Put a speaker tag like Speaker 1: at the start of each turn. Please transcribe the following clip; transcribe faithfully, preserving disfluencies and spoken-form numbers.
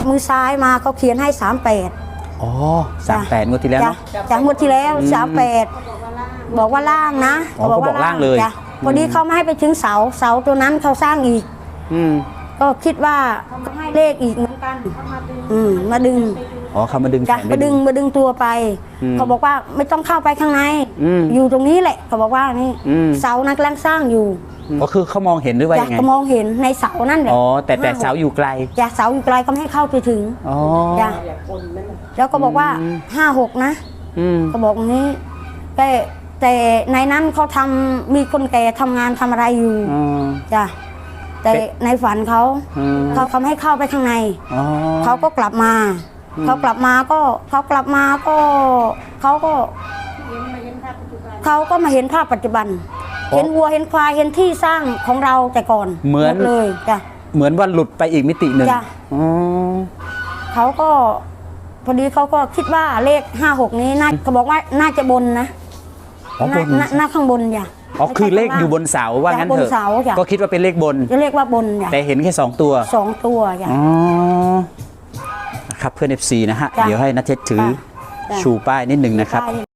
Speaker 1: มือซ้ายมาเขาเขียนให้สามแปด
Speaker 2: อ๋อสามแปดงวดที่แล้วเนาะ
Speaker 1: จากงวดที่แล้วสามแปดบอกว่าล่างนะ
Speaker 2: เขาบอกล่างเลย
Speaker 1: พอดีเขาไม่ให้ไปถึงเสาเสาตัวนั้นเขาสร้างอีกก็คิดว่าให้เลขอีกเหมือนกันอืมมาดึง
Speaker 2: อ๋อเขามาดึง
Speaker 1: จ้ะมาดึงมาดึงตัวไปเขาบอกว่าไม่ต้องเข้าไปข้างในอยู่ตรงนี้แหละเขาบอกว่านี่เสานักแรงสร้างอยู่
Speaker 2: ก็คือเขามองเห็นหรือว่ายังไง
Speaker 1: เขามองเห็นในเสานั่นแหละ
Speaker 2: อ๋อแต่แต่เสาอยู่ไกล
Speaker 1: จ้ะเสาอยู่ไกลก็ไม่ให้เข้าไปถึง
Speaker 2: อ๋อ
Speaker 1: จ้ะแล้วก็บอกว่าห้าหกนะก็บอกอย่างนี้แต่แต่ในนั้นเขาทำมีคนแก่ทำงานทำอะไรอยู่จ้ะแต่ในฝันเขาเขาทำให้เข้าไปข้างในเขาก็กลับมาเขากลับมาก็เขากลับมาก็เขาก็เขาก็มาเห็นภาพปัจจุบันเห็นวัวเห็นควายเห็นที่สร้างของเราแต่ก่อน
Speaker 2: เหมือน
Speaker 1: เลยจ้ะ
Speaker 2: เหมือนว่าหลุดไปอีกมิติหนึ่ง
Speaker 1: เขาก็พอดีเขาก็คิดว่าเลขห้าหกนี้น่าเขาบอกว่าน่าจะบนนะหน้าข้างบนอย่า
Speaker 2: อ๋อคือเลขอยู่บนเสาว่างั้นเถอะก็คิดว่าเป็นเลขบน
Speaker 1: จะเรียกว่าบนอย่า
Speaker 2: แต่เห็นแค่สองตัว
Speaker 1: สองตัวอย่า
Speaker 2: อ๋อครับเพื่อน เอฟ ซี นะฮะเดี๋ยวให้นัทเทศถือชูป้ายนิดหนึ่งนะครับ